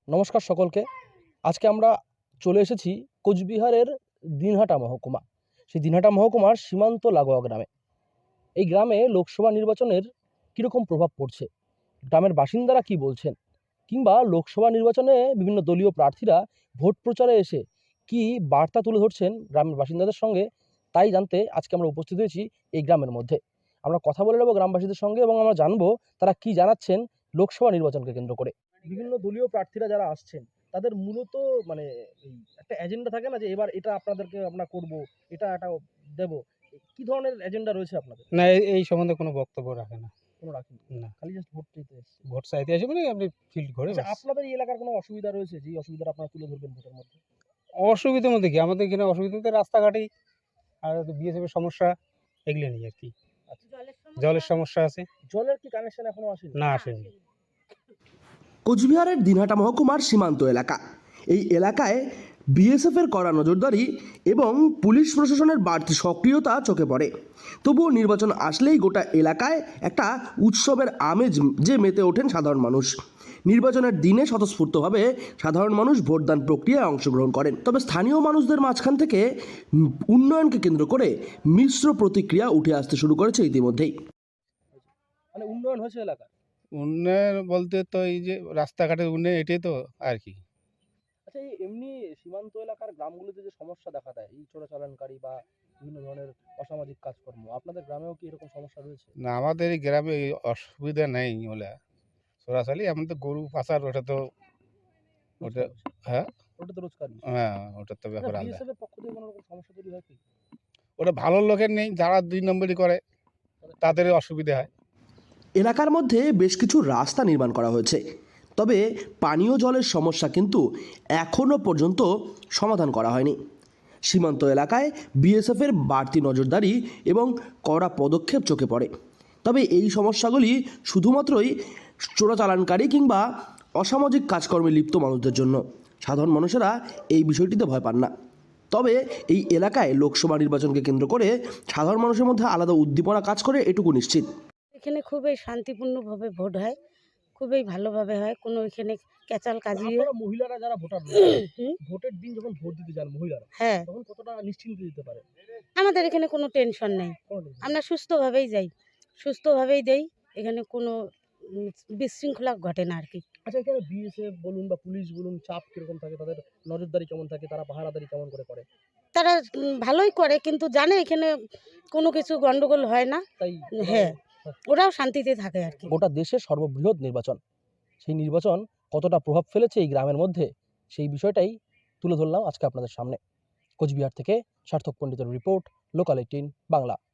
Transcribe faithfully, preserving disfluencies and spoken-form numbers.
নমস্কার সকলকে। আজকে আমরা চলে এসেছি কোচবিহারের দিনহাটা মহকুমা। সেই দিনহাটা মহকুমার সীমান্ত লাগোয়া গ্রামে। এই গ্রামে লোকসভা নির্বাচনের কীরকম প্রভাব পড়ছে, গ্রামের বাসিন্দারা কি বলছেন, কিংবা লোকসভা নির্বাচনে বিভিন্ন দলীয় প্রার্থীরা ভোট প্রচারে এসে কি বার্তা তুলে ধরছেন গ্রামের বাসিন্দাদের সঙ্গে, তাই জানতে আজকে আমরা উপস্থিত হয়েছি এই গ্রামের মধ্যে। আমরা কথা বলে নেব গ্রামবাসীদের সঙ্গে এবং আমরা জানবো তারা কি জানাচ্ছেন লোকসভা নির্বাচনকে কেন্দ্র করে। বিভিন্ন দলীয় প্রার্থীরা যারা আসছেন তাদের মূলত মানে এই একটা এজেন্ডা থাকে না যে এবার এটা আপনাদেরকে আমরা করব, এটা এটা দেব, কি ধরনের এজেন্ডা রয়েছে আপনাদের? না, এই এই সম্বন্ধে কোনো বক্তব্য রাখে না। কোনো রাখেন না, খালি জাস্ট ভোট চাইতে এসছে। ভোট চাইতে আসে মানে আপনি ফিল্ড ঘুরে আচ্ছা, ব্যাস। আপনাদের এই এলাকার কোনো অসুবিধা রয়েছে যে অসুবিধাটা আপনারা তুলে ধরবেন ভোটের মধ্যে? অসুবিধার মধ্যে কি, আমাদের এখানে অসুবিধা তো রাস্তাঘাটেই আর বিএসএফ এর সমস্যা, এগুলো নিয়ে আর কি। আচ্ছা, জলের সমস্যা আছে। জলের কি কানেকশন এখনো আসেনি? না, আসেনি। কোচবিহারের দিনহাটা মহকুমার সীমান্ত এলাকা। এই এলাকায় বিএসএফের কড়া নজরদারি এবং পুলিশ প্রশাসনের বাড়তি সক্রিয়তা চোখে পড়ে। তবুও নির্বাচন আসলেই গোটা এলাকায় একটা উৎসবের আমেজ যে মেতে ওঠেন সাধারণ মানুষ। নির্বাচনের দিনে স্বতঃস্ফূর্তভাবে সাধারণ মানুষ ভোটদান প্রক্রিয়ায় অংশগ্রহণ করেন। তবে স্থানীয় মানুষদের মাঝখান থেকে উন্নয়নকে কেন্দ্র করে মিশ্র প্রতিক্রিয়া উঠে আসতে শুরু করেছে ইতিমধ্যেই। মানে উন্নয়ন হয়েছে এলাকা? উন্নয়ন বলতে তো এই যে রাস্তাঘাটের উন্নয়ন, এটাই তো আর কি। আচ্ছা, এই এমনি সীমান্ত এলাকার গ্রামগুলোতে যে সমস্যা দেখা দেয়, এই চোরাচালানকারী বা বিভিন্ন ধরনের অসামাজিক কাজকর্ম, আপনাদের গ্রামেও কি এরকম সমস্যা রয়েছে? না, আমাদের এই গ্রামে এই অসুবিধা নেই। ওলা সরাসরি এমন তো গরু পাচার, ওটা তো ওটা হ্যাঁ ওটা তো রোজকার বিষয়। হ্যাঁ ওটার তো ব্যাপার আলাদা। বিএসএফ এর পক্ষ থেকে কোনো রকম সমস্যা তৈরি হয় কি? ওটা ভালো লোকের নেই, যারা দুই নম্বরই করে তাদের অসুবিধা হয়। এলাকার মধ্যে বেশ কিছু রাস্তা নির্মাণ করা হয়েছে, তবে পানীয় জলের সমস্যা কিন্তু এখনও পর্যন্ত সমাধান করা হয়নি। সীমান্ত এলাকায় বিএসএফের বাড়তি নজরদারি এবং কড়া পদক্ষেপ চোখে পড়ে। তবে এই সমস্যাগুলি শুধুমাত্রই চোরাচালানকারী কিংবা অসামাজিক কাজকর্মে লিপ্ত মানুষদের জন্য। সাধারণ মানুষেরা এই বিষয়টিতে ভয় পান না। তবে এই এলাকায় লোকসভা নির্বাচনকে কেন্দ্র করে সাধারণ মানুষের মধ্যে আলাদা উদ্দীপনা কাজ করে এটুকু নিশ্চিত। এখানে খুবই শান্তিপূর্ণভাবে ভোট হয়, খুবই ভালোভাবে হয়, কোনো এখানে ক্যাচাল কাজি। আপনারা মহিলারা যারা ভোটার ভোটের দিন যখন ভোট দিতে যান মহিলারা, হ্যাঁ, তখন কতটা নিশ্চিন্তে দিতে পারে? আমাদের এখানে কোনো টেনশন নেই, আমরা সুস্থভাবেই যাই, সুস্থভাবেই দেই, এখানে কোনো উম, বিশৃঙ্খলা ঘটে না আর কি। আচ্ছা, এখানে বিএসএফ বলুন বা পুলিশ বলুন, চাপ কিরকম থাকে, তাদের নজরদারি কেমন থাকে, তারা পাহারাদারি কেমন করে করে? তারা উম, ভালোই করে, কিন্তু জানে এখানে কোনো কিছু গন্ডগোল হয় না। তাই হ্যাঁ, ওরাও শান্তিতে থাকে আর কি। গোটা দেশের সর্ববৃহৎ নির্বাচন, সেই নির্বাচন কতটা প্রভাব ফেলেছে এই গ্রামের মধ্যে, সেই বিষয়টাই তুলে ধরলাম আজকে আপনাদের সামনে। কোচবিহার থেকে সার্থক পণ্ডিতের রিপোর্ট, লোকাল এইটিন বাংলা।